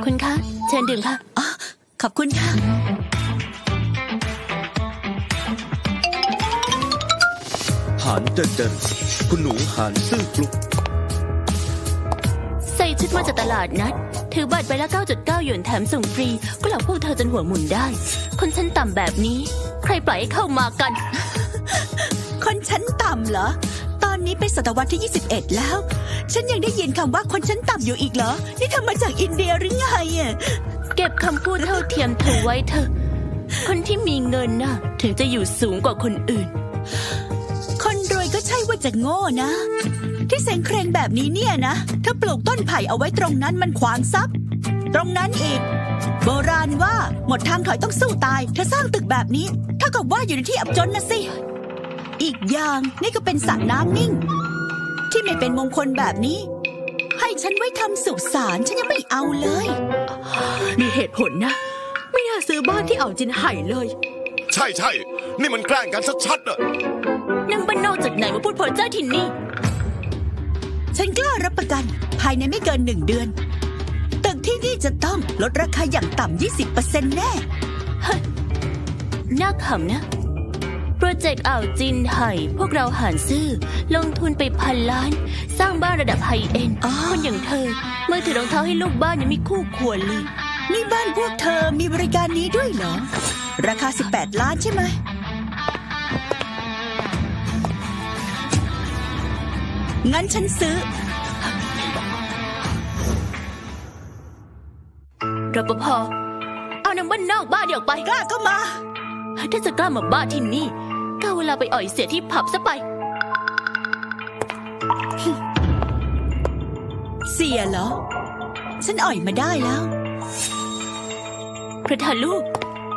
คุณคะเชิญดื่มค่ะอ๋อขอบคุณค่ะหานเดินเดินคุณหนูหานซื่อกลุกใส่ชุดมาจากตลาดนัดถือบัตรใบละ 9.9 หยวนแถมส่งฟรี ก็หลอกพวกเธอจนหัวหมุนได้ คนชั้นต่ำแบบนี้ ใครปล่อยให้เข้ามากันคนชั้นต่ำเหรอ ตอนนี้เป็นศตวรรษที่ 21 แล้ว ฉันยังได้ยินคำว่าคนชั้นต่ำอยู่อีกเหรอ นี่ทำมาจากอินเดียหรือไงอ่ะเก็บคำพูดเท่าเทียมเธอไว้เถอะ คนที่มีเงินน่ะ ถึงจะอยู่สูงกว่าคนอื่นคนรวยก็ใช่ว่าจะโง่นะ ที่เซ็งเครงแบบนี้เนี่ยนะ ถ้าปลูกต้นไผ่เอาไว้ตรงนั้นมันขวางทรัพย์ ตรงนั้นอีก โบราณว่าหมดทางถอยต้องสู้ตายเธอสร้างตึกแบบนี้เท่ากับว่าอยู่ในที่อับจนนะสิ อีกอย่างนี่ก็เป็นสระน้ำนิ่ง ที่ไม่เป็นมงคลแบบนี้ ให้ฉันไว้ทำสุสานฉันยังไม่เอาเลยมีเหตุผลนะ ไม่น่าซื้อบ้านที่อ่าวจินไห่เลยใช่ใช่นี่มันแกล้งกันชัดๆอะนั่งบ้านนอกจากไหนมาพูดเพ้อเจ้อที่นี่ฉันกล้ารับประกันภายในไม่เกิน1 เดือน ตึกที่นี่จะต้องลดราคาอย่างต่ำ 20% แน่น่าขำนะ โปรเจกต์อ่าวจินไห่พวกเราหารซื่อ ลงทุนไป1,000 ล้าน สร้างบ้านระดับไฮเอ็นด์อ๋อคนอย่างเธอเมื่อถือรองเท้าให้ลูกบ้านยังไม่คู่ควรเลยนี่บ้านพวกเธอมีบริการนี้ด้วยเหรอ ราคา 18 ล้านใช่ไหม งั้นฉันซื้อรปภ เอานางบ้านนอกบ้านเดี๋ยวไปกล้าเข้ามาถ้าจะกล้ามาบ้านที่นี่ก็เอาเวลาไปอ่อยเสียที่ผับซะไปเสียเหรอ ฉันอ่อยมาได้แล้วประธานลูก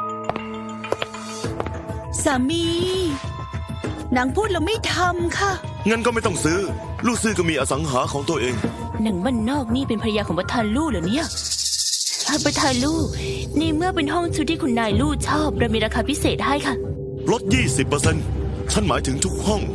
สามีนางพูดแล้วไม่ทำค่ะงั้นก็ไม่ต้องซื้อ ลูกซื้อก็มีอสังหาของตัวเองหนังบ้านนอกนี่เป็นภรรยาของประธานลู่เหรอเนี่ยประธานลู่นี่เมื่อเป็นห้องชุดที่คุณนายลู่ชอบเรามีราคาพิเศษให้ค่ะลด 20% ฉันหมายถึงทุกห้อง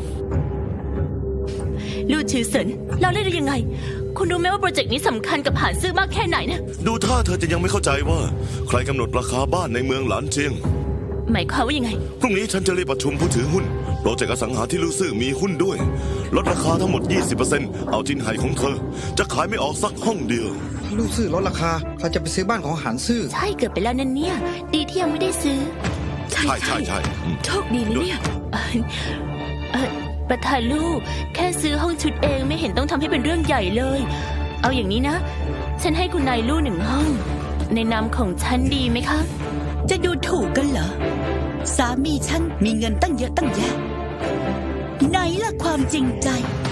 ลู่ชื่อเสินเราเล่นได้ยังไง คุณรู้ไหมว่าโปรเจกต์นี้สำคัญกับหานซื่อมากแค่ไหนเนี่ยดูท่าเธอจะยังไม่เข้าใจว่า ใครกำหนดราคาบ้านในเมืองหลานเจียงหมายความว่ายังไงพรุ่งนี้ฉันจะเรียกประชุมผู้ถือหุ้น โปรเจกต์อสังหาที่ลูกซื้อมีหุ้นด้วย ลดราคาทั้งหมด 20% เอาจินไห่ของเธอ จะขายไม่ออกสักห้องเดียวลูกซื่อลดราคาใครจะไปซื้อบ้านของหานซื่อใช่เกิดไปแล้วนั่นเนี่ย ดีที่ยังไม่ได้ซื้อใช่ใช่ใช่อืมโชคดีนะเนี่ยประธานลูกแค่ซื้อห้องชุดเองไม่เห็นต้องทำให้เป็นเรื่องใหญ่เลย เอาอย่างนี้นะ ฉันให้คุณนายลู่1 ห้อง ในนามของฉันดีไหมคะจะดูถูกกันเหรอ สามีฉันมีเงินตั้งเยอะตั้งแยะ ไหนล่ะความจริงใจ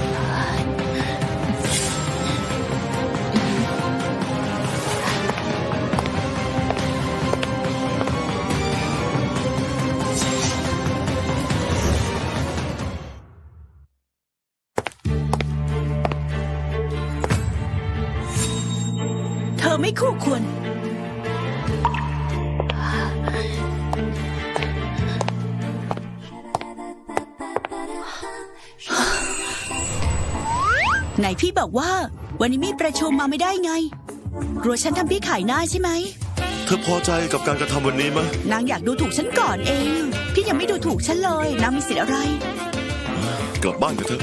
เธอไม่คู่ควร ไหนพี่บอกว่า วันนี้มีประชุมมาไม่ได้ไงกลัวฉันทำพี่ขายหน้าใช่ไหมเธอพอใจกับการกระทำวันนี้ไหมนางอยากดูถูกฉันก่อนเอง พี่ยังไม่ดูถูกฉันเลย นางมีสิทธิ์อะไรกลับบ้านกันเถอะ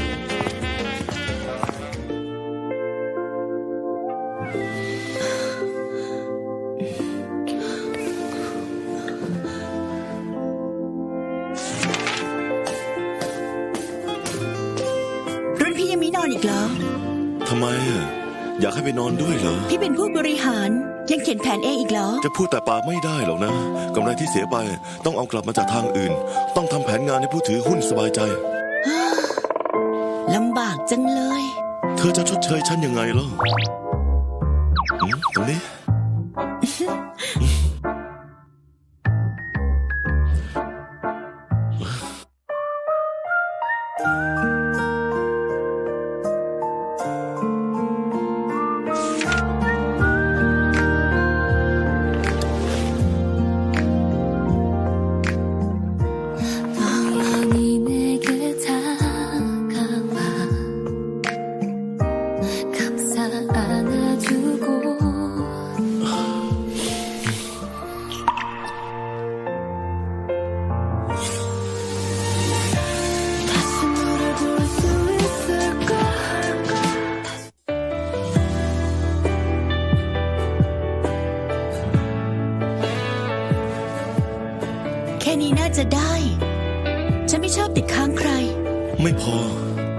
รุ่นพี่ยังไม่นอนอีกเหรอทำไมอะอยากให้ไปนอนด้วยเหรอพี่เป็นผู้บริหารยังเขียนแผนเองอีกเหรอจะพูดแต่ปากไม่ได้หรอกนะกำไรที่เสียไปต้องเอากลับมาจากทางอื่น ต้องทำแผนงานให้ผู้ถือหุ้นสบายใจลำบากจังเลยเธอจะชดเชยฉันยังไงล่ะตรงนี้ 우연히 내게 다가와 감싸 안아주고 จะได้ ฉันไม่ชอบติดค้างใครไม่พอ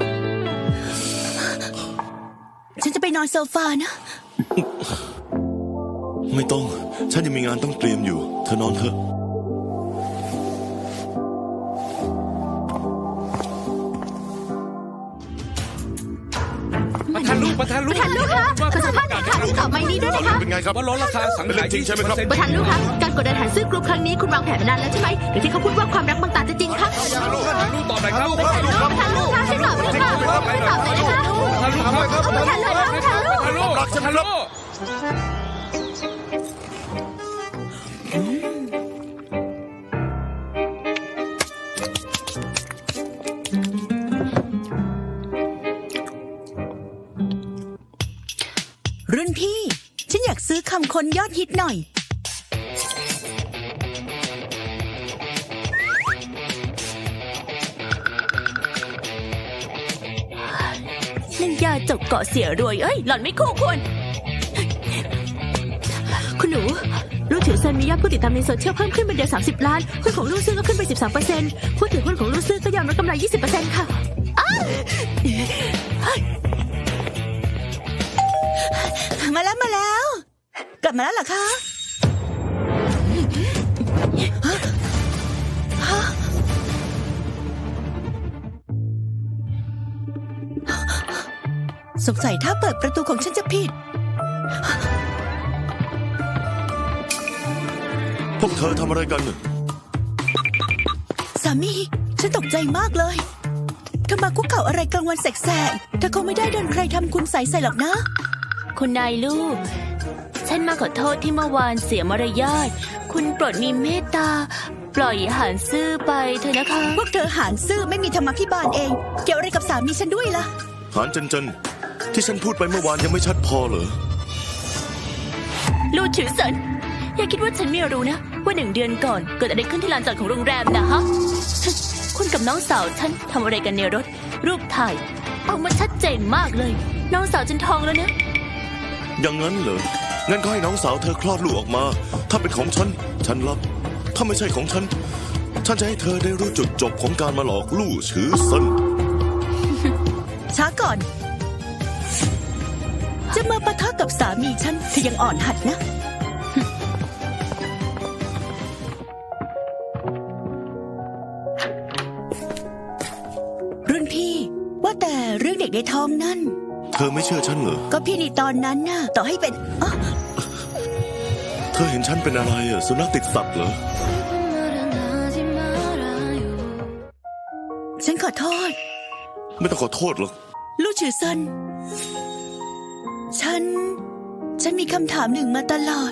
ฉันจะไปนอนโซฟานะไม่ต้อง ฉันยังมีงานต้องเตรียมอยู่ เธอนอนเถอะประธานลูกประธานลูกประธานลูกคะขอสัมภาษณ์หน่อยค่ะตอบไม่นี้ด้วยนะคะเป็นไงครับว่าลดราคาสังเป็นหารเรื่องจริงใช่ไหมครับประธานลูกคะการกดดันหารซื้อกรุ๊ปครั้งนี้คุณวางแผนมานานแล้วใช่ไหมหรือที่เขาพูดว่าความรักบางตาจะจริงคะประธานลูกตอบหน่อยครับประธานลูกคะช่วยตอบด้วยค่ะช่วยตอบหน่อยนะคะประธานลูกครับประธานลูกคะประธานลูกประธานลูกประธานลูกรุ่นพี่ ฉันอยากซื้อคำคนยอดฮิตหน่อยนั่นยาจกเกาะเสียรวยเอ้ยหล่อนไม่คู่ควรคุณหนูลูกถือเซนมียอดผู้ติดตามในโซเชียลเพิ่มขึ้นเป็นเดือน30 ล้านหุ้นของลูกซื้อก็ขึ้นไป 13%ผู้ถือหุ้นของลูกซื้อก็ยอมรับกำไร 20% ค่ะมาแล้ว กลับมาแล้วเหรอคะฮะสงสัยถ้าเปิดประตูของฉันจะผิดพวกเธอทำอะไรกันน่ะสามี ฉันตกใจมากเลยเธอมาคุกเข่าอะไรกลางวันแสกๆเธอคงไม่ได้โดนใครทำคุณใส่หรอกนะคุณนายลูก ฉันมาขอโทษที่เมื่อวานเสียมารยาท คุณโปรดมีเมตตา ปล่อยหานซื่อไปเถอะนะคะพวกเธอหารซื่อไม่มีธรรมพิบาลเอง เกี่ยวอะไรกับสามีฉันด้วยล่ะหานเจนที่ฉันพูดไปเมื่อวานยังไม่ชัดพอเหรอลูกถือสันอย่าคิดว่าฉันไม่รู้นะ ว่า1 เดือนก่อนเกิดอะไรขึ้นที่ลานจอดของโรงแรมนะฮะ คุณกับน้องสาวฉันทำอะไรกันในรถ รูปถ่ายออกมาชัดเจนมากเลย น้องสาวฉันท้องแล้วนะอย่างนั้นเหรอ งั้นก็ให้น้องสาวเธอคลอดลูกออกมา ถ้าเป็นของฉัน ฉันรับ ถ้าไม่ใช่ของฉัน ฉันจะให้เธอได้รู้จุดจบของการมาหลอกลู่ฉือเซินช้าก่อน จะมาปะทะกับสามีฉันเธอยังอ่อนหัดนะ รุ่นพี่ว่าแต่เรื่องเด็กในท้องนั่นเธอไม่เชื่อฉันเหรอก็พี่ในตอนนั้นน่ะ ต่อให้เป็นอ๊ะเธอเห็นฉันเป็นอะไรอะสุนัขติดสัตว์เหรอฉันขอโทษไม่ต้องขอโทษหรอกลู่ฉือเซินฉันมีคำถามหนึ่งมาตลอด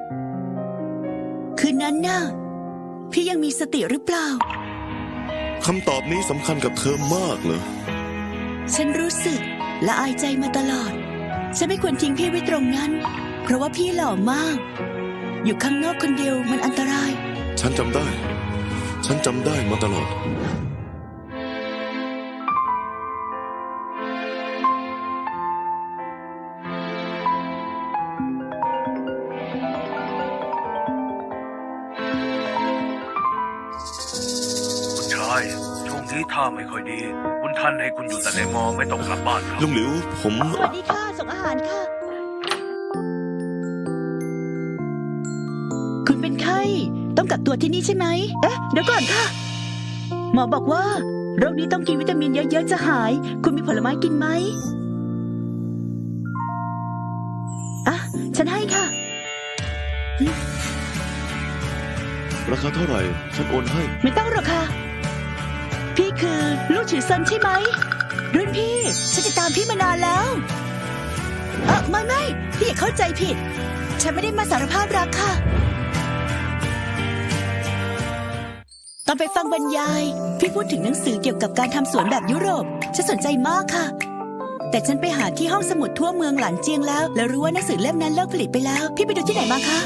คืนนั้นน่ะ พี่ยังมีสติหรือเปล่าคำตอบนี้สำคัญกับเธอมากเหรอฉันรู้สึกละอายใจมาตลอด ฉันไม่ควรทิ้งพี่ไว้ตรงนั้น เพราะว่าพี่หล่อมาก อยู่ข้างนอกคนเดียวมันอันตรายฉันจำได้ ฉันจำได้มาตลอดคุณชายช่วงนี้ท่าไม่ค่อยดี คุณท่านให้คุณอยู่แต่ในมอไม่ต้องกลับบ้านครับลุงหลิว ผมสวัสดีค่ะ ส่งอาหารค่ะ คุณเป็นไข้ ต้องกักตัวที่นี่ใช่ไหม เอ๊ะ เดี๋ยวก่อนค่ะ หมอบอกว่าโรคนี้ต้องกินวิตามินเยอะๆจะหาย คุณมีผลไม้กินไหมอ่ะ ฉันให้ค่ะราคาเท่าไหร่ ฉันโอนให้ไม่ต้องหรอกค่ะ พี่คือลูกฉือเซินใช่ไหม รุ่นพี่ ฉันติดตามพี่มานานแล้วไม่พี่อย่าเข้าใจผิด ฉันไม่ได้มาสารภาพรักค่ะ ตอนไปฟังบรรยาย พี่พูดถึงหนังสือเกี่ยวกับการทำสวนแบบยุโรป ฉันสนใจมากค่ะ แต่ฉันไปหาที่ห้องสมุดทั่วเมืองหลานเจียงแล้วรู้ว่าหนังสือเล่มนั้นเลิกผลิตไปแล้ว พี่ไปดูที่ไหนมาคะ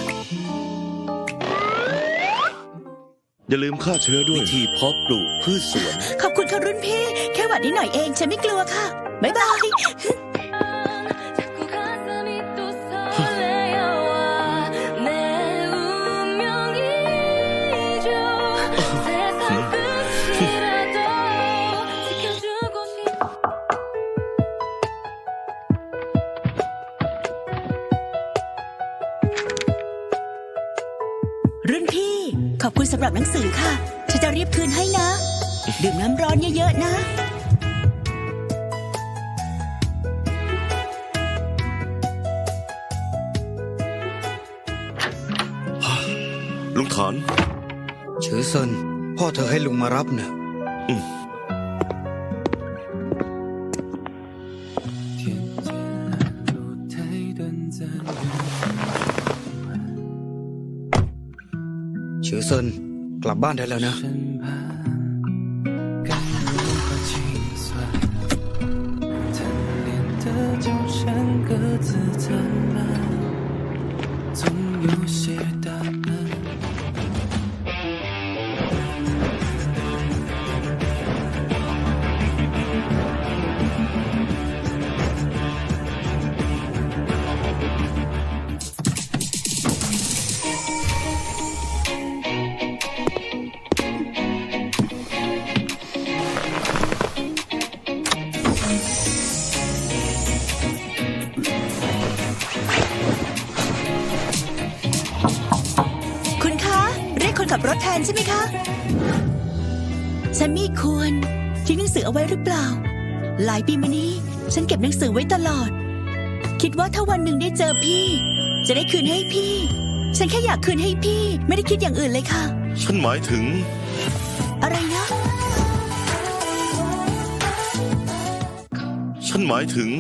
อย่าลืมฆ่าเชื้อด้วยวิธีเพาะปลูกพืชสวนขอบคุณค่ะรุ่นพี่ แค่หวัดนิดหน่อยเอง ฉันไม่กลัวค่ะ บ๊ายบาย 내 รุ่นพี่ ขอบคุณสำหรับหนังสือค่ะ ฉันจะรีบคืนให้นะ ดื่มน้ำร้อนเยอะๆนะลุงฐานฉือเซินพ่อเธอให้ลุงมารับเนี่ย ฉือเซินกลับบ้านได้แล้วนะคุณคะ เรียกคนขับรถแทนใช่ไหมคะ ฉันไม่ควรทิ้งหนังสือเอาไว้หรือเปล่า หลายปีมานี้ ฉันเก็บหนังสือไว้ตลอด คิดว่าถ้าวันหนึ่งได้เจอพี่ จะได้คืนให้พี่ ฉันแค่อยากคืนให้พี่ ไม่ได้คิดอย่างอื่นเลยค่ะฉันหมายถึงอะไรนะฉันหมายถึง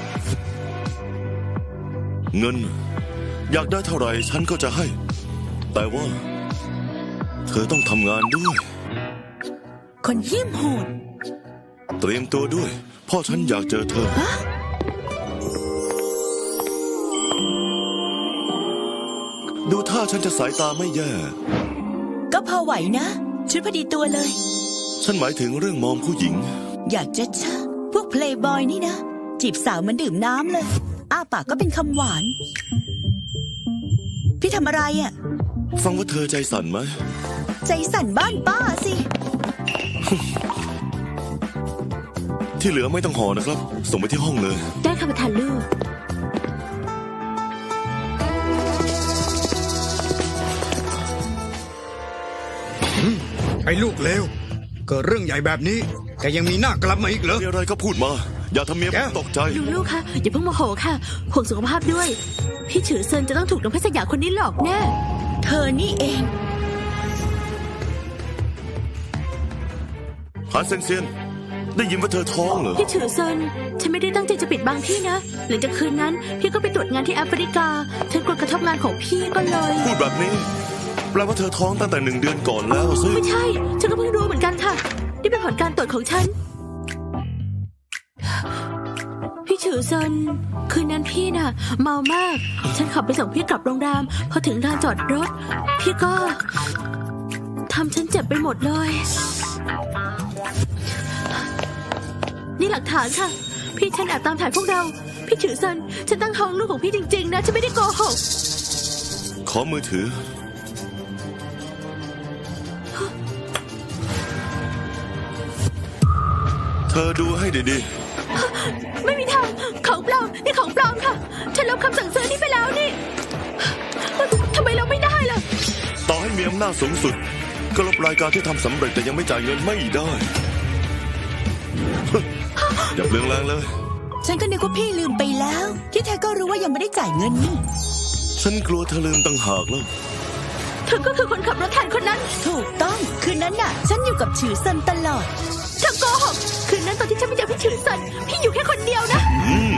เงิน อยากได้เท่าไหร่ฉันก็จะให้ แต่ว่า เธอต้องทำงานด้วยคนเหี้ยมโหดเตรียมตัวด้วย พ่อฉันอยากเจอเธอ ดูท่าฉันจะสายตาไม่แย่ก็พอไหวนะ ชุดพอดีตัวเลยฉันหมายถึงเรื่องมองผู้หญิงอยากจะชะพวกเพลย์บอยนี่นะ จีบสาวเหมันดื่มน้ำเลย อ้าปากก็เป็นคำหวาน พี่ทำอะไรอะ่ะฟังว่าเธอใจสั่นไหมใจสั่นบ้านป้าสิที่เหลือไม่ต้องห่อนะครับ ส่งไปที่ห้องเลยได้ค่ะประธานลูกไอ้ลูกเลวเกิดเรื่องใหญ่แบบนี้แกยังมีหน้ากลับมาอีกเหรอมีอะไรก็พูดมา อย่าทำเมียผมตกใจลูกๆค่ะอย่าเพิ่งโมโหค่ะห่วงสุขภาพด้วย พี่ฉือเซินจะต้องถูกน้องเพชรสยามคนนี้หลอกแน่เธอนี่เองหาเซนเซียน ได้ยินว่าเธอท้องเหรอพี่ฉือเซินฉันไม่ได้ตั้งใจจะปิดบังพี่นะหลังจากคืนนั้น พี่ก็ไปตรวจงานที่แอฟริกาฉันกลัวกระทบงานของพี่ก็เลยพูดแบบนี้ แปลว่าเธอท้องตั้งแต่1 เดือนก่อนแล้วสิไม่ใช่ ฉันก็เพิ่งรู้เหมือนกันค่ะ นี่เป็นผลการตรวจของฉัน พี่ฉือเซินคืนนั้นพี่น่ะ เมามาก ฉันขับไปส่งพี่กลับโรงแรมพอถึงลานจอดรถ พี่ก็ทำฉันเจ็บไปหมดเลย นี่หลักฐานค่ะ พี่ฉันแอบตามถ่ายพวกเรา พี่ฉือเซินฉันตั้งท้องลูกของพี่จริงๆนะฉันไม่ได้โกหกขอมือถือ เธอดูให้ดีไม่มีทางของปลอมนี่ของปลอมค่ะ ฉันลบคำสั่งซื้อนี้ไปแล้วนี่ทำไมเราไม่ได้ล่ะๆ ต่อให้มีอำนาจสูงสุด ก็ลบรายการที่ทำสำเร็จแต่ยังไม่จ่ายเงินไม่ได้ อย่าเปลืองแรงเลยฉันก็นึกว่าพี่ลืมไปแล้ว ที่แท้ก็รู้ว่ายังไม่ได้จ่ายเงินนี่ฉันกลัวเธอลืมตั้งหากแล้วเธอก็คือคนขับรถแทนคนนั้นถูกต้อง คืนนั้นน่ะ ฉันอยู่กับฉือเซินตลอดเธอโกหกคืนนั้นตอนที่ฉันไปเจอพี่ฉือซันพี่อยู่แค่คนเดียวนะอืม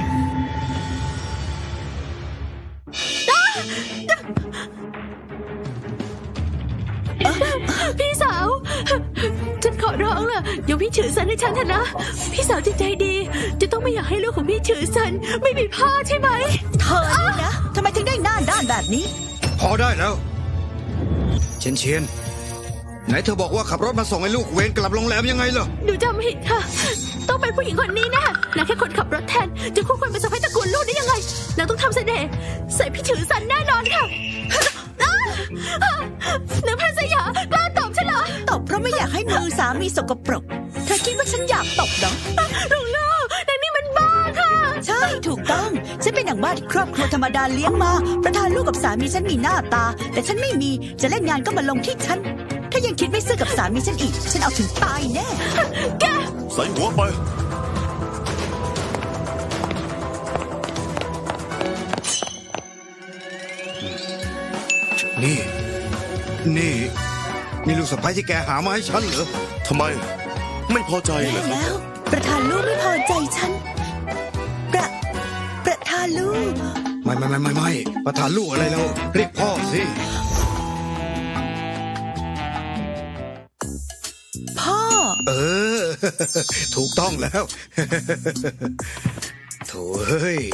พี่สาว ฉันขอร้องล่ะยกพี่ฉือซันให้ฉันเถอะนะ พี่สาวจิตใจดี จะต้องไม่อยากให้ลูกของพี่ฉือซันไม่มีพ่อใช่ไหมเธอนี่นะทำไมถึงได้หน้าด้านแบบนี้พอได้แล้ว เชียนเชียนไหนเธอบอกว่าขับรถมาส่งให้ลูกเวรกลับโรงแรมยังไงเหรอหนูจำผิดค่ะ ต้องเป็นผู้หญิงคนนี้แน่นางแค่คนขับรถแทน จะคู่ควรเป็นสะใภ้ตระกูลลูกได้ยังไงนางต้องทำเสน่ห์ใส่พี่ฉือซันแน่นอนค่ะนางเพชรสยามกล้าตอบฉันเหรอตบเพราะไม่อยากให้มือสามีสกปรก เธอคิดว่าฉันอยากตบเหรอลุงลูกนางนี่มันบ้าค่ะใช่ ถูกต้อง ฉันเป็นหนังบ้าว่าครอบครัวธรรมดาเลี้ยงมา ประธานลูกกับสามีฉันมีหน้าตา แต่ฉันไม่มีจะเล่นงานก็มาลงที่ฉัน ถ้ายังคิดไม่ซื่อกับสามีฉันอีก ฉันเอาถึงตายแน่ใส่หัวไปนี่ลูกสะใภ้ที่แกหามาให้ฉันเหรอทำไม ไม่พอใจเหรแย่อครับแล้ว ประธานลูกไม่พอใจฉัน ประธานลูกไม่ประธานลูกอะไรแล้วเรียกพ่อสิพ่อเออ ถูกต้องแล้ว โถ่เฮ้ย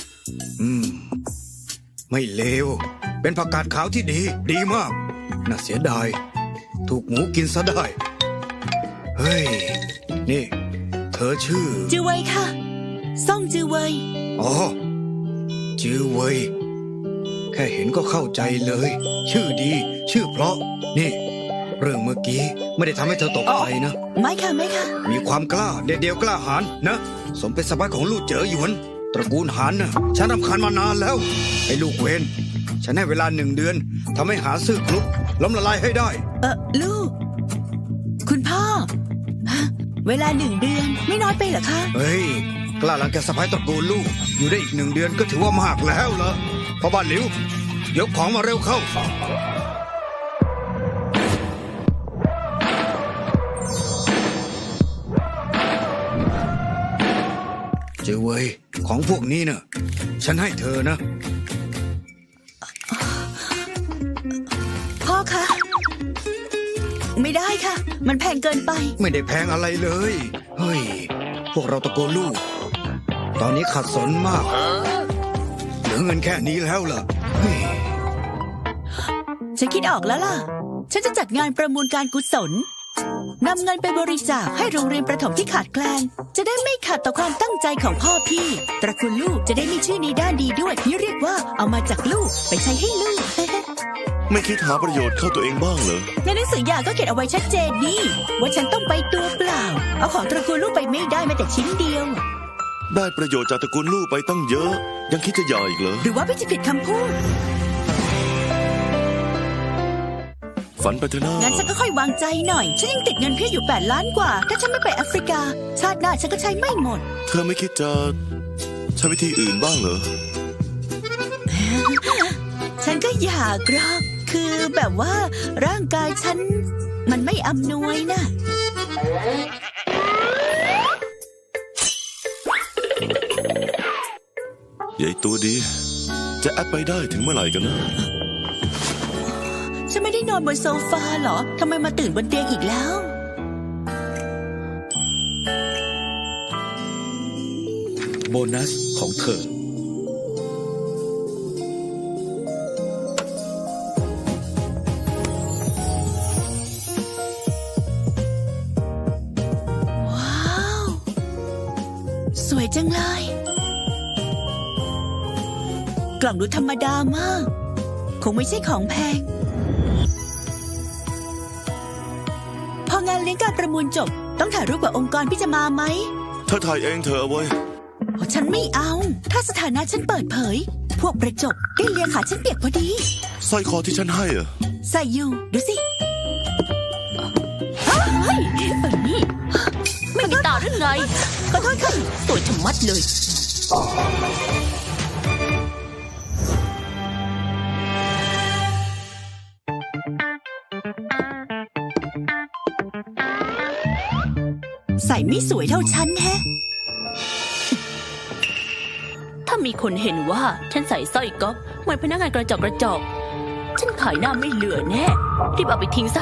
ไม่เลว เป็นผักกาดขาวที่ดีมาก น่าเสียดาย ถูกหมูกินซะได้ เฮ้ย นี่ เธอชื่อจือเวยค่ะ ซ่องจือเวยอ๋อ จือเวย แค่เห็นก็เข้าใจเลย ชื่อดี ชื่อเพราะ นี่ เรื่องเมื่อกี้ไม่ได้ทำให้เธอตกใจนะไม่ค่ะไม่ค่ะมีความกล้าเด็ดเดียวกล้าหาญนะ สมเป็นสะใภ้ของลูกเจ๋อหยวน ตระกูลหานนะฉันรำคาญมานานแล้ว ไอ้ลูกเวนฉันให้เวลา1 เดือนทำให้หาซื่อกรุ๊ปล้มละลายให้ได้ลูก คุณพ่อฮะเวลา1 เดือนไม่น้อยไปเหรอคะเฮ้ย กล้าหลังแกสะใภ้ตระกูลลูก อยู่ได้อีก1 เดือนก็ถือว่ามากแล้วล่ะพ่อบ้านหลิวยกของมาเร็วเข้า เจอเว้ยของพวกนี้เนะ่ะฉันให้เธอนะพ่อคะ ไม่ได้ค่ะ มันแพงเกินไปไม่ได้แพงอะไรเลย เฮ้ย พวกเราตะโกนลูก ตอนนี้ขัดสนมาก เหลือเงินแค่นี้แล้วล่ะเฮ้ยฉันคิดออกแล้วล่ะ ฉันจะจัดงานประมูลการกุศลนำเงินไปบริจาคให้โรงเรียนประถมที่ขาดแคลน จะได้ไม่ขัดต่อความตั้งใจของพ่อพี่ ตระกูลลูกจะได้มีชื่อในด้านดีด้วยนี่เรียกว่าเอามาจากลูกไปใช้ให้ลูกไม่คิดหาประโยชน์เข้าตัวเองบ้างเหรอในหนังสือหย่าก็เขียนเอาไว้ชัดเจนนี่ว่าฉันต้องไปตัวเปล่า เอาของตระกูลลูกไปไม่ได้แม้แต่ชิ้นเดียวได้ประโยชน์จากตระกูลลูกไปตั้งเยอะ ยังคิดจะหย่าอีกเหรอหรือว่าพี่จะผิดคำพูดฝันไปเถอะนะงั้นฉันก็ค่อยวางใจหน่อย ฉันยังติดเงินพี่อยู่8 ล้านกว่า ถ้าฉันไม่ไปแอฟริกา ชาติหน้าฉันก็ใช้ไม่หมดเธอไม่คิดจะใช้วิธีอื่นบ้างเหรอฉันก็อยากหรอกคือแบบว่าร่างกายฉันมันไม่อำนวยนะใหญ่ตัวดี จะแอปไปได้ถึงเมื่อไหร่กันนะฉันไม่ได้นอนบนโซฟาเหรอ ทำไมมาตื่นบนเตียงอีกแล้วโบนัสของเธอว้าว สวยจังเลย กล่องดูธรรมดามาก คงไม่ใช่ของแพง พองานเลี้ยงการประมูลจบ ต้องถ่ายรูปกับองค์กรพี่จะมาไหมเธอถ่ายเองเธอเอาไว้ฉันไม่เอา ถ้าสถานะฉันเปิดเผย พวกประจบได้เลียขาฉันเปียกพอดีสร้อยคอที่ฉันให้อะใส่อยู่ ดูสิเฮ้ยนี่ไม่มีตาหรือไงขอโทษค่ะสวยชะมัดเลยใส่ไม่สวยเท่าฉันแฮะถ้ามีคนเห็นว่าฉันใส่สร้อยก๊อฟเหมือนพนักงานกระจอกฉันขายหน้าไม่เหลือแน่ รีบเอาไปทิ้งซะ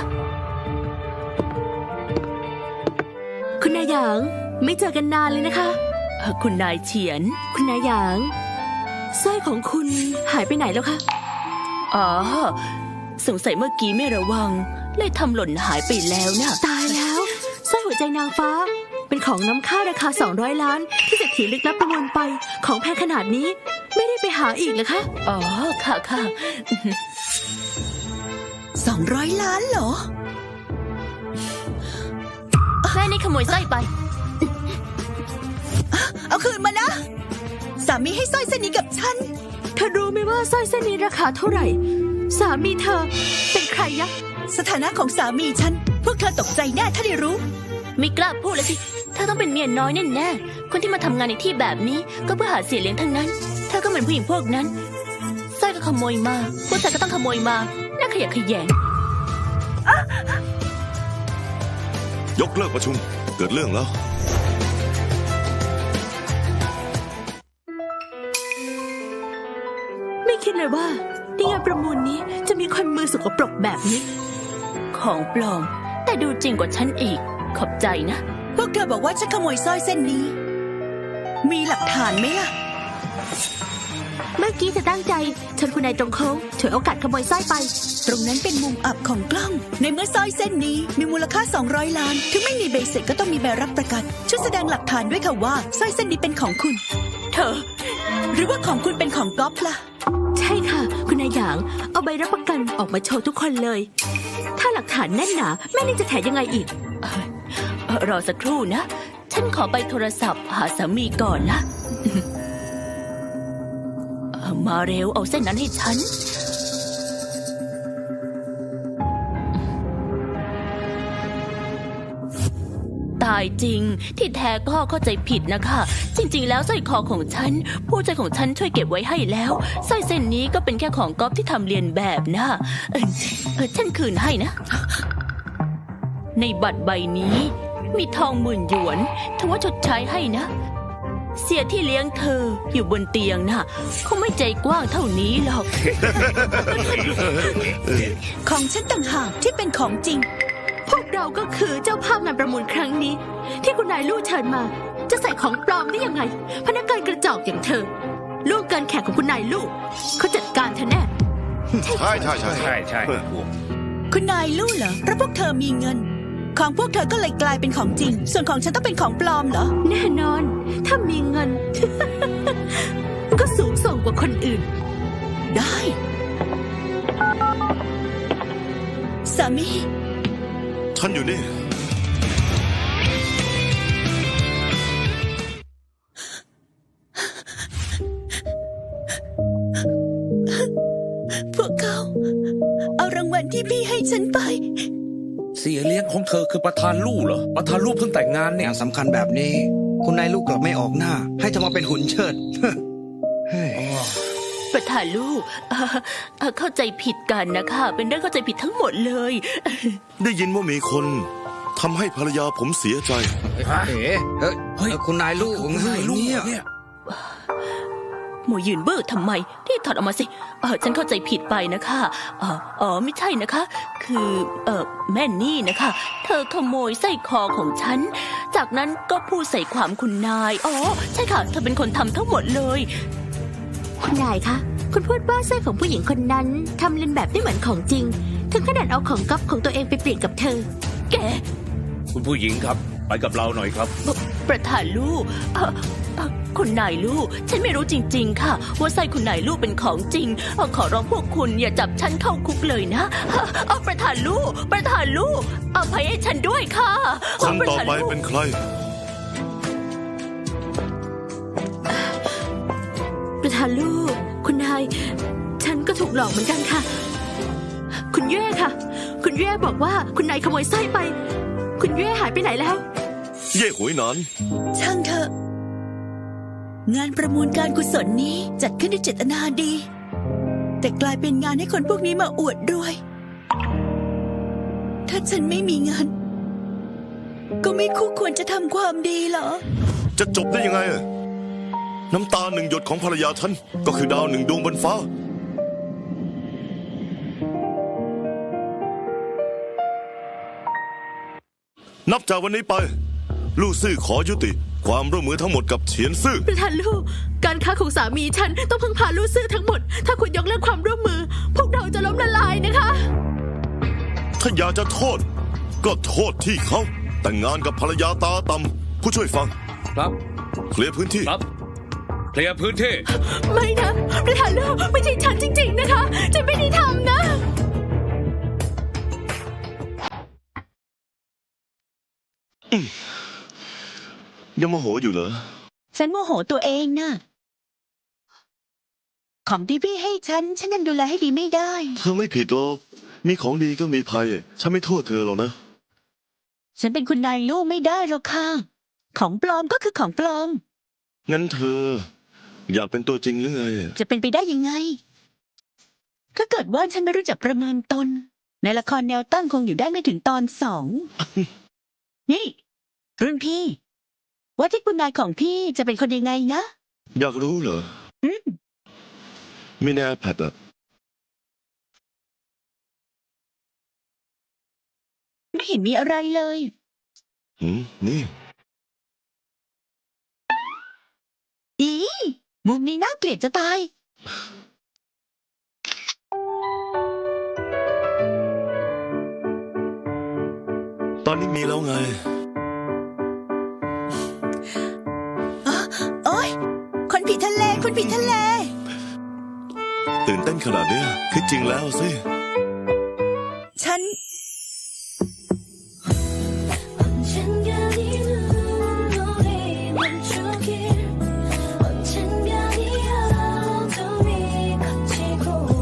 คุณนายหยางไม่เจอกันนานเลยนะคะคุณนายเฉียนคุณนายหยางสร้อยของคุณหายไปไหนแล้วคะอ๋อ สงสัยเมื่อกี้ไม่ระวัง เลยทำหล่นหายไปแล้วนะตายแล้วสร้อยหัวใจนางฟ้า เป็นของน้ำค่าราคา200 ล้าน ที่เศรษฐีลึกลับประมูลไป ของแพงขนาดนี้ ไม่ได้ไปหาอีกเหรอคะอ๋อ ค่ะค่ะ 200 ล้านเหรอแม่นี่ขโมยสร้อยไปเอาคืนมานะสามีให้สร้อยเส้นนี้กับฉันเธอรู้ไหมว่าสร้อยเส้นนี้ราคาเท่าไหร่ สามีเธอเป็นใครยะสถานะของสามีฉัน พวกเธอตกใจแน่ถ้าได้รู้ไม่กล้าพูดเลยสิเธอต้องเป็นเมียน้อยแน่ๆคนที่มาทำงานในที่แบบนี้ก็เพื่อหาเสียเลี้ยงทั้งนั้น เธอก็เหมือนผู้หญิงพวกนั้นสร้อยก็ขโมยมาผู้ชายก็ต้องขโมยมาน่าขยะแขยงยกเลิกประชุม เกิดเรื่องแล้วไม่คิดเลยว่าในงานประมูลนี้จะมีคนมือสกปรกแบบนี้ของปลอม แต่ดูจริงกว่าฉันอีก ขอบใจนะพวกเธอบอกว่าฉันขโมยสร้อยเส้นนี้ มีหลักฐานไหมล่ะเมื่อกี้จะตั้งใจชนคุณนายตรงโค้งฉวยโอกาสขโมยสร้อยไปตรงนั้นเป็นมุมอับของกล้อง ในเมื่อสร้อยเส้นนี้มีมูลค่า200 ล้าน ถึงไม่มีใบเสร็จก็ต้องมีใบรับประกัน ช่วยแสดงหลักฐานด้วยค่ะว่าสร้อยเส้นนี้เป็นของคุณเธอหรือว่าของคุณเป็นของก๊อฟล่ะใช่ค่ะ คุณนายหยาง เอาใบรับประกันออกมาโชว์ทุกคนเลย ถ้าหลักฐานแน่นหนาแม่นี่จะแถยังไงอีกรอสักครู่นะ ฉันขอไปโทรศัพท์หาสามีก่อนนะมาเร็วเอาเส้นนั้นให้ฉัน ตายจริงที่แท้ก็เข้าใจผิดนะคะ จริงๆแล้วสร้อยคอของฉัน ผู้ใจของฉันช่วยเก็บไว้ให้แล้วสร้อยเส้นนี้ก็เป็นแค่ของก๊อฟที่ทำเรียนแบบนะฉันคืนให้นะ ในบัตรใบนี้ มีทอง10,000 หยวนถือว่าชดใช้ให้นะ เสียที่เลี้ยงเธออยู่บนเตียงน่ะเขาไม่ใจกว้างเท่านี้หรอกของฉันต่างหากที่เป็นของจริงพวกเราก็คือเจ้าภาพงานประมูลครั้งนี้ ที่คุณนายลู่เชิญมา จะใส่ของปลอมได้ยังไง พนักงานกระจอกอย่างเธอลูกเกินแขกของคุณนายลู่เขาจัดการเธอแน่ใช่ใช่ใช่ใช่ใช่คุณนายรู้เหรอเพราะพวกเธอมีเงิน ของพวกเธอก็เลยกลายเป็นของจริง ส่วนของฉันต้องเป็นของปลอมเหรอแน่นอน ถ้ามีเงิน ก็สูงส่งกว่าคนอื่นได้ สามีฉันอยู่นี่พวกเขาเอารางวัลที่พี่ให้ฉันไปเสียเลี้ยงของเธอคือประธานลู่เหรอ ประธานลู่เพิ่งแต่งงานเนี่ยงานสำคัญแบบนี้ คุณนายลูกกลับไม่ออกหน้า ให้เธอมาเป็นหุ่นเชิด เฮ้ยประธานลูกเข้าใจผิดกันนะคะ เป็นเรื่องเข้าใจผิดทั้งหมดเลยได้ยินว่ามีคนทำให้ภรรยาผมเสียใจเฮ้ยคุณนายลูกคุณนายลู่เนี่ยหมูยืนบื้อทำไมที่ถอดออกมาสิฉันเข้าใจผิดไปนะคะไม่ใช่นะคะ คือแม่นี่นะคะ เธอขโมยสร้อยคอของฉัน จากนั้นก็พูดใส่ความคุณนายใช่ค่ะ เธอเป็นคนทำทั้งหมดเลยคุณนายคะ คุณพูดว่าสร้อยของผู้หญิงคนนั้นทำเลียนแบบได้เหมือนของจริง ถึงขนาดเอาของก๊อฟของตัวเองไปเปลี่ยนกับเธอแกคุณผู้หญิงครับ ไปกับเราหน่อยครับประธานลูกคุณนายลูก ฉันไม่รู้จริงๆค่ะ ว่าสร้อยคุณนายลูกเป็นของจริงขอร้องพวกคุณอย่าจับฉันเข้าคุกเลยนะประธานลูกอภัยให้ฉันด้วยค่ะคนต่อไปประธานลูกเป็นใครประธานลูก คุณนาย ฉันก็ถูกหลอกเหมือนกันค่ะ คุณเย่ค่ะ คุณเย่บอกว่าคุณนายขโมยสร้อยไป คุณเย่หายไปไหนแล้วเย่หวยหนานช่างเถอะ งานประมูลการกุศลนี้จัดขึ้นด้วยเจตนาดี แต่กลายเป็นงานให้คนพวกนี้มาอวดรวย ถ้าฉันไม่มีเงิน ก็ไม่คู่ควรจะทำความดีเหรอจะจบได้ยังไงอะน้ำตา1 หยดของภรรยาฉันก็คือดาว1 ดวงบนฟ้า นับจากวันนี้ไป ลู่ซื่อขอยุติ ความร่วมมือทั้งหมดกับเฉียนซื่อประธานลูก การค้าของสามีฉันต้องพึ่งพาลูกซื่อทั้งหมด ถ้าคุณยกเลิกความร่วมมือ พวกเราจะล้มละลายนะคะถ้าอยากจะโทษ ก็โทษที่เขาแต่งงานกับภรรยาตาต่ำผู้ช่วยฟังครับเคลียร์พื้นที่ครับ เคลียร์พื้นที่ไม่นะ ประธานลูกไม่ใช่ฉันจริงๆนะคะ ฉันไม่ได้ทำนะยังโมโหอยู่เหรอฉันโมโหตัวเองน่ะของที่พี่ให้ฉันยังดูแลให้ดีไม่ได้เธอไม่ผิดหรอกมีของดีก็มีภัย ฉันไม่โทษเธอหรอกนะฉันเป็นคุณนายลูกไม่ได้หรอกค่ะ ของปลอมก็คือของปลอมงั้นเธอ อยากเป็นตัวจริงหรือไงจะเป็นไปได้ยังไง ถ้าเกิดว่าฉันไม่รู้จักประเมินตน ในละครแนวตั้งคงอยู่ได้ไม่ถึงตอน 2 นี่ รุ่นพี่ ว่าที่คุณนายของพี่จะเป็นคนยังไงนะอยากรู้เหรออืมมีใน iPad อะไม่เห็นมีอะไรเลยนี่อีมุมนี้น่าเกลียดจะตายตอนนี้มีแล้วไงโอ๊ย คนผิดทะเล คนผิดทะเลตื่นเต้นขนาดเนี้ยคือจริงแล้วสิฉัน 언젠가 네 눈물이 멈추길 언젠가 네 어둠이 걷히고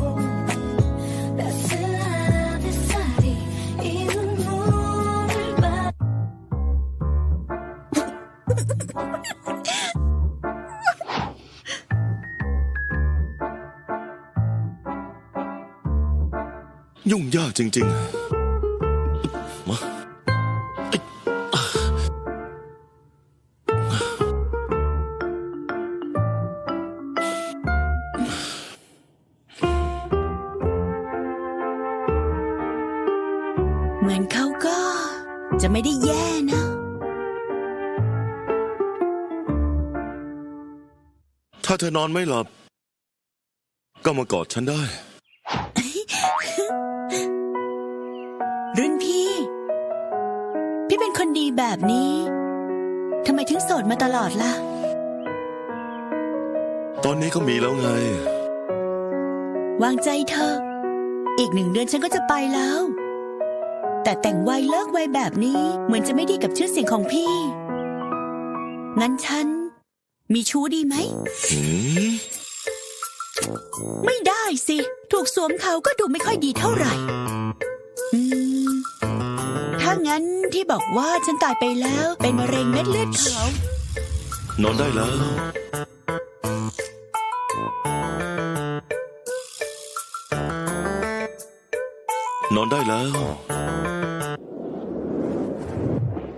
따스한 햇살이 이 눈물을 봐 ยุ่งยากจริงๆ มาเหมือนเขาก็จะไม่ได้แย่นะถ้าเธอนอนไม่หลับ ก็มากอดฉันได้รุ่นพี่ พี่เป็นคนดีแบบนี้ทำไมถึงโสดมาตลอดล่ะตอนนี้ก็มีแล้วไงวางใจเธอะอีก1 เดือนฉันก็จะไปแล้ว แต่แต่งไวเลิกไวแบบนี้เหมือนจะไม่ดีกับชื่อเสียงของพี่ งั้นฉัน มีชู้ดีไหม ไม่ได้สิ ถูกสวมเขาก็ดูไม่ค่อยดีเท่าไหร่ ถ้างั้นที่บอกว่าฉันตายไปแล้วเป็นมะเร็งเม็ดเลือดขาวนอนได้แล้ว นอนได้แล้ว